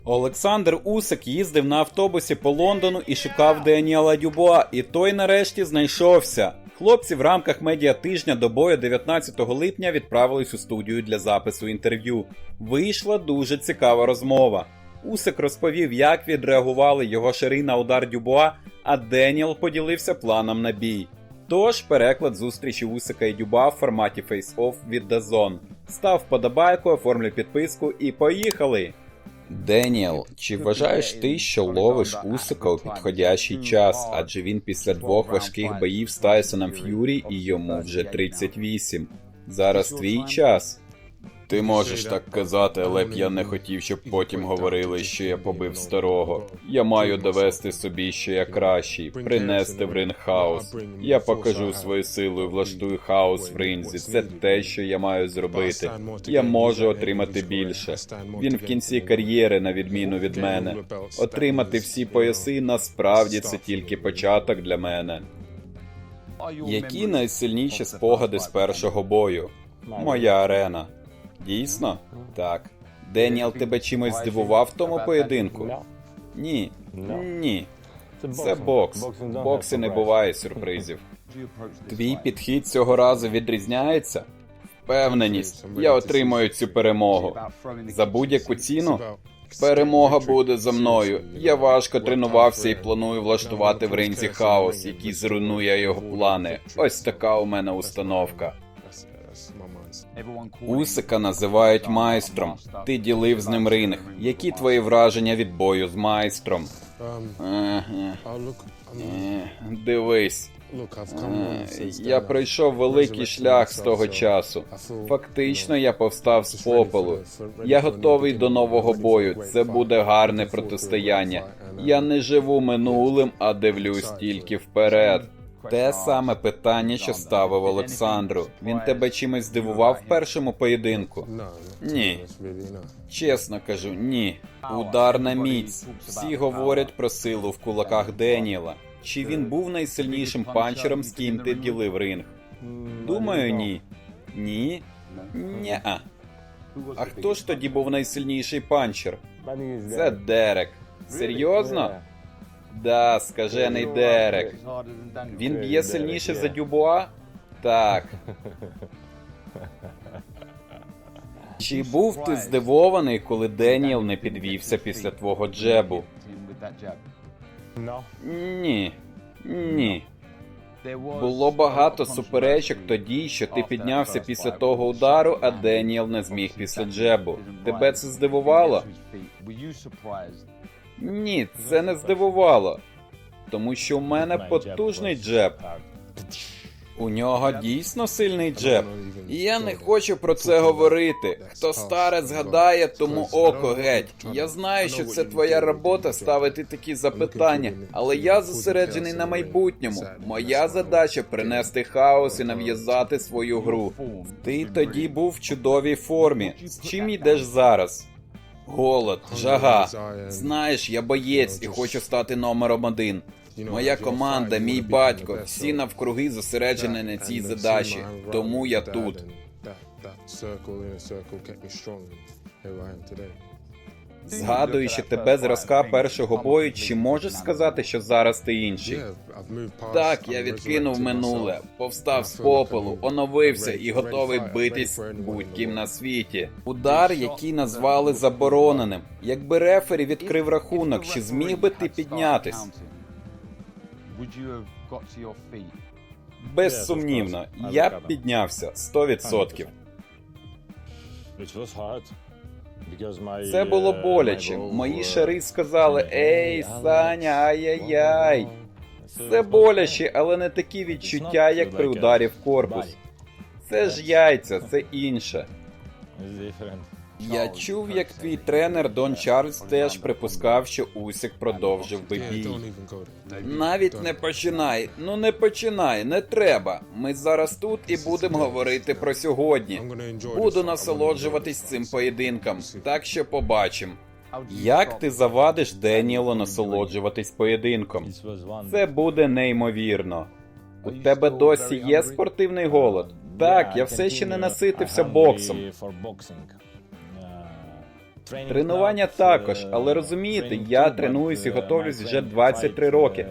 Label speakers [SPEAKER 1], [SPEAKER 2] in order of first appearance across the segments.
[SPEAKER 1] Олександр Усик їздив на автобусі по Лондону і шукав Деніела Дюбуа, і той нарешті знайшовся. Хлопці в рамках медіатижня до бою 19 липня відправились у студію для запису інтерв'ю. Вийшла дуже цікава розмова. Усик розповів, як відреагували його шари на удар Дюбуа, а Деніел поділився планом на бій. Тож, переклад зустрічі Усика і Дюбуа в форматі Face-Off від DAZN. Став вподобайку, оформлюй підписку і поїхали! Деніел, чи вважаєш ти, що ловиш Усика у підходящий час, адже він після 2 важких боїв з Тайсоном Ф'юрі і йому вже 38. Зараз твій час? Ти можеш так казати, але б я не хотів, щоб потім говорили, що я побив старого. Я маю довести собі, що я кращий, принести в ринг хаос. Я покажу свою силу і влаштую хаос в ринзі. Це те, що я маю зробити. Я можу отримати більше. Він в кінці кар'єри, на відміну від мене. Отримати всі пояси насправді це тільки початок для мене. Які найсильніші спогади з першого бою? Моя арена. Дійсно? Так. Деніел тебе чимось здивував в тому поєдинку? Ні. Ні. Це бокс. В боксі не буває сюрпризів. Твій підхід цього разу відрізняється? Впевненість. Я отримаю цю перемогу. За будь-яку ціну? Перемога буде за мною. Я важко тренувався і планую влаштувати в ринзі хаос, який зруйнує його плани. Ось така у мене установка. Усика називають майстром. Ти ділив з ним ринг. Які твої враження від бою з майстром? Дивись. Я пройшов великий шлях з того часу. Фактично, я повстав з попелу. Я готовий до нового бою. Це буде гарне протистояння. Я не живу минулим, а дивлюсь тільки вперед. Те саме питання, що ставив Олександру. Він тебе чимось здивував в першому поєдинку? Ні. Чесно кажу, ні. Удар на міць. Всі говорять про силу в кулаках Деніела. Чи він був найсильнішим панчером, з ким ти ділив ринг? Думаю, ні. Ні? Ні-а. А хто ж тоді був найсильніший панчер? Це Дерек. Серйозно? Да, скажений Дерек. Він б'є сильніше за Дюбуа? Так. Чи був ти здивований, коли Деніел не підвівся після твого джебу? Ні. Ні. Було багато суперечок тоді, що ти піднявся після того удару, а Деніел не зміг після джебу. Тебе це здивувало? Ні, це не здивувало. Тому що у мене потужний джеб. У нього дійсно сильний джеб. І я не хочу про це говорити. Хто старе згадає, тому око геть. Я знаю, що це твоя робота ставити такі запитання, але я зосереджений на майбутньому. Моя задача принести хаос і нав'язати свою гру. Ти тоді був в чудовій формі. З чим йдеш зараз? Голод, жага. Знаєш, я боєць і хочу стати номером 1. Моя команда, мій батько, всі навкруги зосереджені на цій задачі. Тому я тут. Згадуючи тебе зразка першого бою, чи можеш сказати, що зараз ти інший? Так, я відкинув минуле, повстав з попелу, оновився і готовий битись будь-ким на світі. Удар, який назвали забороненим. Якби рефері відкрив рахунок, чи зміг би ти піднятись? Безсумнівно, я б піднявся 100%. Це було боляче. Мої шари сказали: «Ей, Саня, ай-яй-яй». Це боляче, але не такі відчуття, як при ударі в корпус. Це ж яйця, це інше. Я чув, як твій тренер Дон Чарльз теж припускав, що Усик продовжив би бій. Навіть не починай, не починай, не треба. Ми зараз тут і будемо говорити про сьогодні. Буду насолоджуватись цим поєдинком, так що побачимо. Як ти завадиш Деніелу насолоджуватись поєдинком? Це буде неймовірно. У тебе досі є спортивний голод? Так, я все ще не наситився боксом. Тренування також, але розумієте, я тренуюсь і готовлюсь вже 23 роки.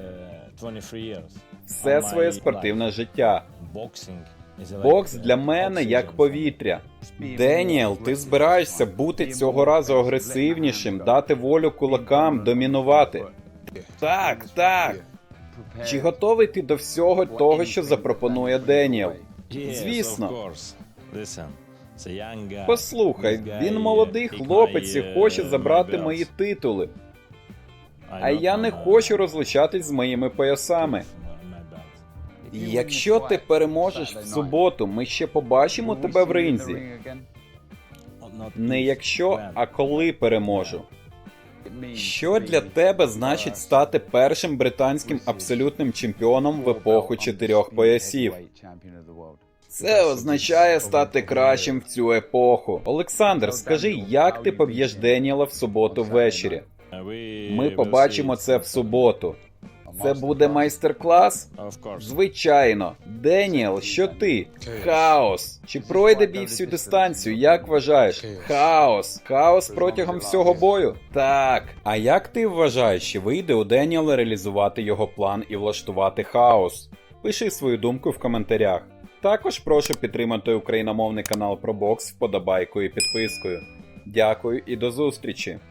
[SPEAKER 1] Все своє спортивне життя. Бокс для мене як повітря. Деніел, ти збираєшся бути цього разу агресивнішим, дати волю кулакам, домінувати. Так, так. Чи готовий ти до всього того, що запропонує Деніел? Звісно. Послухай, він молодий хлопець і хоче забрати мої титули. А я не хочу розлучатись з моїми поясами. Якщо ти переможеш в суботу, ми ще побачимо тебе в ринзі. Не якщо, а коли переможу. Що для тебе значить стати першим британським абсолютним чемпіоном в епоху 4 поясів? Це означає стати кращим в цю епоху. Олександр, скажи, як ти поб'єш Деніела в суботу ввечері? Ми побачимо це в суботу. Це буде майстер-клас? Звичайно. Деніел, що ти? Хаос. Чи пройде бій всю дистанцію? Як вважаєш? Хаос. Хаос протягом всього бою? Так. А як ти вважаєш, чи вийде у Деніела реалізувати його план і влаштувати хаос? Пиши свою думку в коментарях. Також прошу підтримати україномовний канал про бокс вподобайкою і підпискою. Дякую і до зустрічі!